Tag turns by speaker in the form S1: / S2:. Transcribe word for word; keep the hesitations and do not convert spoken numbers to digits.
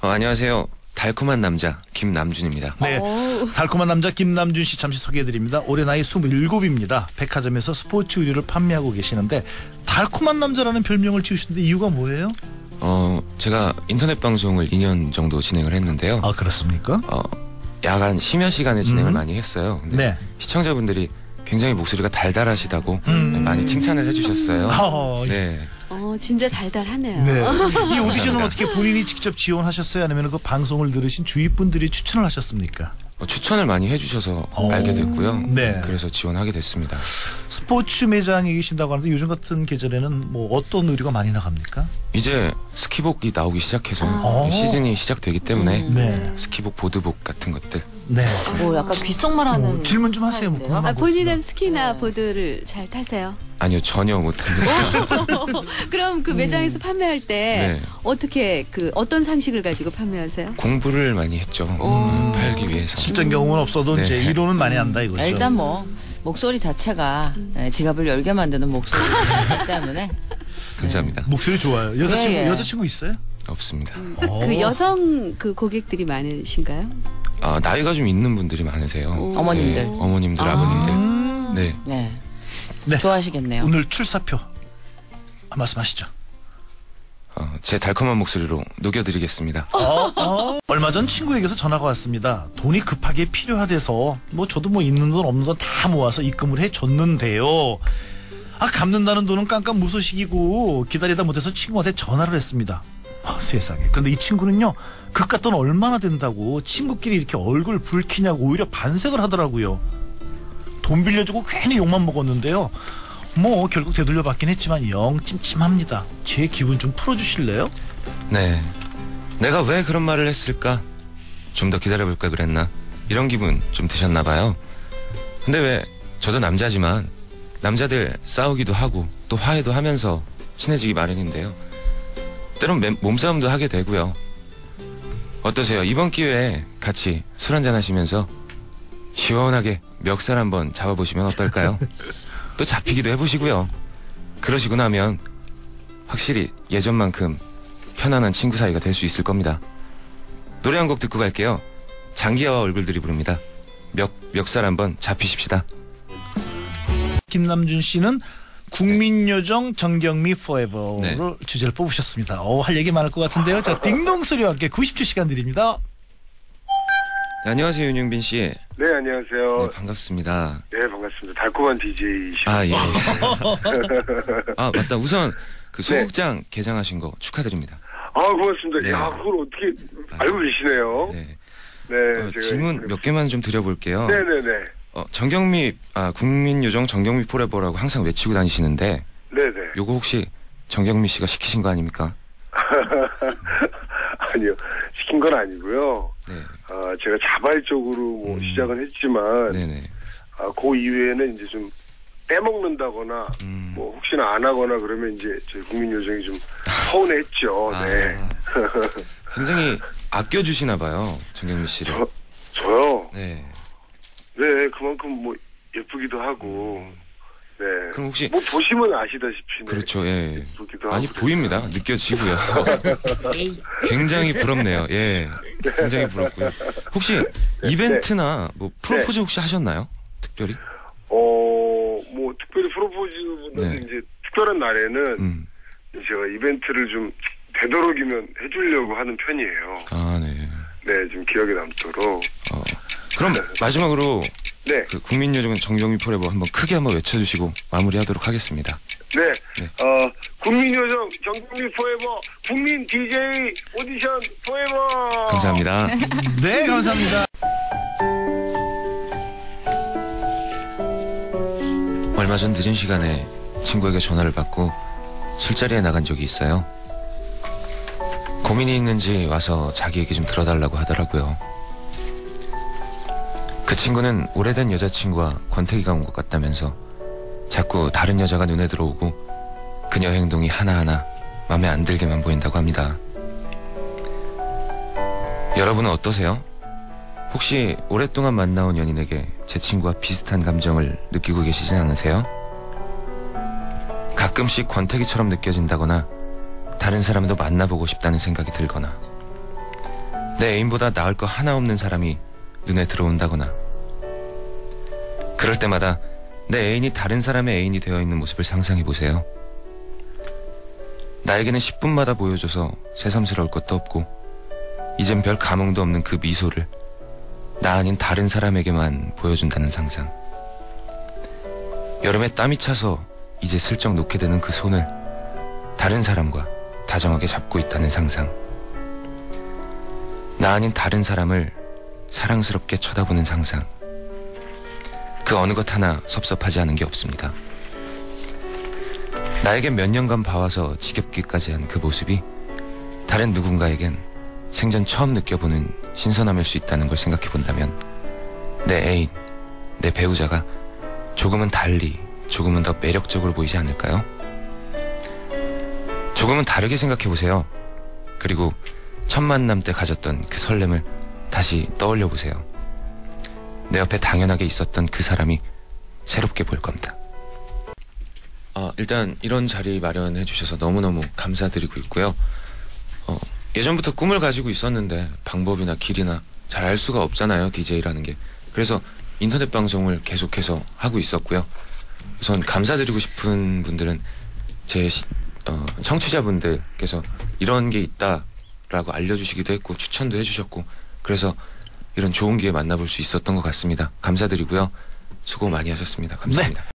S1: 어, 안녕하세요. 달콤한 남자 김남준입니다.
S2: 네,
S3: 오.
S2: 달콤한 남자 김남준 씨 잠시 소개해드립니다. 올해 나이 스물일곱입니다. 백화점에서 스포츠 의류를 판매하고 계시는데 달콤한 남자라는 별명을 지으셨는데 이유가 뭐예요?
S1: 어, 제가 인터넷 방송을 이 년 정도 진행을 했는데요.
S2: 아, 그렇습니까?
S1: 어, 야간 심야 시간에 진행을
S2: 음.
S1: 많이 했어요. 근데
S2: 네.
S1: 시청자분들이 굉장히 목소리가 달달하시다고
S2: 음.
S1: 많이 칭찬을 해주셨어요.
S2: 어,
S1: 네.
S3: 어, 진짜 달달하네요.
S2: 네. 이 오디션은
S1: 감사합니다.
S2: 어떻게 본인이 직접 지원하셨어요? 아니면 그 방송을 들으신 주위 분들이 추천을 하셨습니까?
S1: 어, 추천을 많이 해주셔서
S2: 오.
S1: 알게 됐고요.
S2: 네.
S1: 그래서 지원하게 됐습니다.
S2: 스포츠 매장에 계신다고 하는데 요즘 같은 계절에는 뭐 어떤 의류가 많이 나갑니까?
S1: 이제 스키복이 나오기 시작해서
S2: 아.
S1: 시즌이 시작되기 때문에
S3: 음.
S2: 네.
S1: 스키복, 보드복 같은 것들.
S2: 네.
S4: 뭐 약간 귓속말하는
S2: 어, 질문 좀 하세요. 뭐
S4: 스타일인데요?
S2: 궁금한
S3: 아,
S2: 거
S3: 본인은
S2: 있으면.
S3: 스키나
S4: 네.
S3: 보드를 잘 타세요?
S1: 아니요, 전혀 못합니다.
S3: 그럼 그 매장에서 판매할 때
S1: 네.
S3: 어떻게 그 어떤 상식을 가지고 판매하세요?
S1: 공부를 많이 했죠.
S3: 오.
S1: 음, 팔기 위해서.
S2: 실전 경험은 없어도
S1: 네.
S2: 이제 이론은 많이 한다 이거죠.
S4: 아, 일단 뭐 목소리 자체가 예, 지갑을 열게 만드는 목소리이기 때문에
S1: 감사합니다.
S2: 목소리 좋아요. 여자친구
S4: 예, 예.
S2: 여자친구 있어요?
S1: 없습니다.
S2: 어.
S3: 그 여성 그 고객들이 많으신가요?
S1: 아, 나이가 좀 있는 분들이 많으세요.
S3: 오.
S4: 어머님들.
S1: 네, 어머님들,
S3: 아.
S1: 아버님들.
S2: 음.
S1: 네.
S4: 네.
S2: 네.
S4: 좋아하시겠네요.
S2: 오늘 출사표 아, 말씀하시죠.
S1: 어, 제 달콤한 목소리로 녹여드리겠습니다.
S2: 어, 어. 얼마 전 친구에게서 전화가 왔습니다. 돈이 급하게 필요하대서 뭐 저도 뭐 있는 돈 없는 돈 다 모아서 입금을 해줬는데요. 아, 갚는다는 돈은 깜깜 무소식이고 기다리다 못해서 친구한테 전화를 했습니다. 아, 세상에. 그런데 이 친구는요, 그깟 돈 얼마나 된다고 친구끼리 이렇게 얼굴 붉히냐고 오히려 반색을 하더라고요. 돈 빌려주고 괜히 욕만 먹었는데요. 뭐 결국 되돌려 받긴 했지만 영 찜찜합니다. 제 기분 좀 풀어주실래요?
S1: 네. 내가 왜 그런 말을 했을까? 좀 더 기다려볼 걸 그랬나? 이런 기분 좀 드셨나봐요. 근데 왜, 저도 남자지만, 남자들 싸우기도 하고, 또 화해도 하면서 친해지기 마련인데요. 때론 매- 몸싸움도 하게 되고요. 어떠세요? 이번 기회에 같이 술 한잔 하시면서 시원하게 멱살 한번 잡아보시면 어떨까요? 또 잡히기도 해보시고요. 그러시고 나면 확실히 예전만큼 편안한 친구 사이가 될 수 있을 겁니다. 노래 한 곡 듣고 갈게요. 장기하와 얼굴들이 부릅니다. 멱, 멱살 한번 잡히십시다.
S2: 김남준 씨는 국민요정 정경미 포에버로
S1: 네.
S2: 주제를 뽑으셨습니다. 어, 할 얘기 많을 것 같은데요. 자, 딩동 소리와 함께 구십 초 시간 드립니다.
S1: 네, 안녕하세요, 윤영빈 씨.
S5: 네, 안녕하세요.
S1: 네, 반갑습니다.
S5: 네, 반갑습니다. 달콤한 디제이시죠.
S1: 아, 예. 아, 맞다. 우선 그 소극장 개장하신 거 축하드립니다.
S5: 아, 고맙습니다.
S1: 네.
S5: 야, 그걸 어떻게 알고 계시네요.
S1: 네.
S5: 네,
S1: 어,
S5: 제가
S1: 질문 몇 개만 좀 드려볼게요.
S5: 네네네.
S1: 어, 정경미, 아, 국민요정 정경미 포레버라고 항상 외치고 다니시는데,
S5: 네네.
S1: 요거 혹시 정경미 씨가 시키신 거 아닙니까?
S5: 아니요, 시킨 건 아니고요.
S1: 네.
S5: 아, 제가 자발적으로 뭐
S1: 음.
S5: 시작은 했지만,
S1: 네네.
S5: 아, 그 이외에는 이제 좀 빼먹는다거나,
S1: 음.
S5: 뭐 혹시나 안 하거나 그러면 이제 저희 국민요정이 좀 서운했죠.
S1: 아,
S5: 네.
S1: 굉장히 아껴주시나 봐요, 정경미 씨를.
S5: 저, 저요?
S1: 네.
S5: 네, 그만큼 뭐 예쁘기도 하고, 네.
S1: 그럼 혹시,
S5: 뭐 보시면 아시다시피. 네.
S1: 그렇죠, 예.
S5: 예쁘기도
S1: 많이
S5: 하고.
S1: 보입니다. 느껴지고요. 굉장히 부럽네요. 예. 굉장히 부럽고요. 혹시 이벤트나 뭐 프로포즈 혹시 하셨나요? 특별히?
S5: 어, 뭐 특별히 프로포즈보다는
S1: 네.
S5: 이제 특별한 날에는
S1: 음.
S5: 제가 이벤트를 좀 되도록이면 해주려고 하는 편이에요.
S1: 아, 네.
S5: 네, 좀 기억에 남도록.
S1: 어. 그럼 마지막으로
S5: 네,
S1: 그 국민요정 정경미 포레버 한번 크게 한번 외쳐주시고 마무리하도록 하겠습니다.
S5: 네,
S1: 네.
S5: 어, 국민요정 정국미 포에버 국민 디제이 오디션 포에버.
S1: 감사합니다.
S2: 네, 감사합니다.
S1: 얼마 전 늦은 시간에 친구에게 전화를 받고 술자리에 나간 적이 있어요. 고민이 있는지 와서 자기 얘기 좀 들어달라고 하더라고요. 그 친구는 오래된 여자친구와 권태기가 온 것 같다면서 자꾸 다른 여자가 눈에 들어오고 그녀 행동이 하나하나 마음에 안 들게만 보인다고 합니다. 여러분은 어떠세요? 혹시 오랫동안 만나온 연인에게 제 친구와 비슷한 감정을 느끼고 계시진 않으세요? 가끔씩 권태기처럼 느껴진다거나 다른 사람도 만나보고 싶다는 생각이 들거나 내 애인보다 나을 거 하나 없는 사람이 눈에 들어온다거나, 그럴 때마다 내 애인이 다른 사람의 애인이 되어 있는 모습을 상상해 보세요. 나에게는 십 분마다 보여줘서 새삼스러울 것도 없고 이젠 별 감흥도 없는 그 미소를 나 아닌 다른 사람에게만 보여준다는 상상. 여름에 땀이 차서 이제 슬쩍 놓게 되는 그 손을 다른 사람과 다정하게 잡고 있다는 상상. 나 아닌 다른 사람을 사랑스럽게 쳐다보는 상상. 그 어느 것 하나 섭섭하지 않은 게 없습니다. 나에게 몇 년간 봐와서 지겹기까지 한 그 모습이 다른 누군가에겐 생전 처음 느껴보는 신선함일 수 있다는 걸 생각해 본다면 내 애인, 내 배우자가 조금은 달리, 조금은 더 매력적으로 보이지 않을까요? 조금은 다르게 생각해 보세요. 그리고 첫 만남 때 가졌던 그 설렘을 다시 떠올려 보세요. 내 옆에 당연하게 있었던 그 사람이 새롭게 보일 겁니다. 어, 일단 이런 자리 마련해 주셔서 너무너무 감사드리고 있고요. 어, 예전부터 꿈을 가지고 있었는데 방법이나 길이나 잘 알 수가 없잖아요, 디제이라는 게. 그래서 인터넷 방송을 계속해서 하고 있었고요. 우선 감사드리고 싶은 분들은 제 시, 어, 청취자분들께서 이런 게 있다라고 알려주시기도 했고 추천도 해주셨고, 그래서 이런 좋은 기회 만나볼 수 있었던 것 같습니다. 감사드리고요. 수고 많이 하셨습니다. 감사합니다.
S2: 네.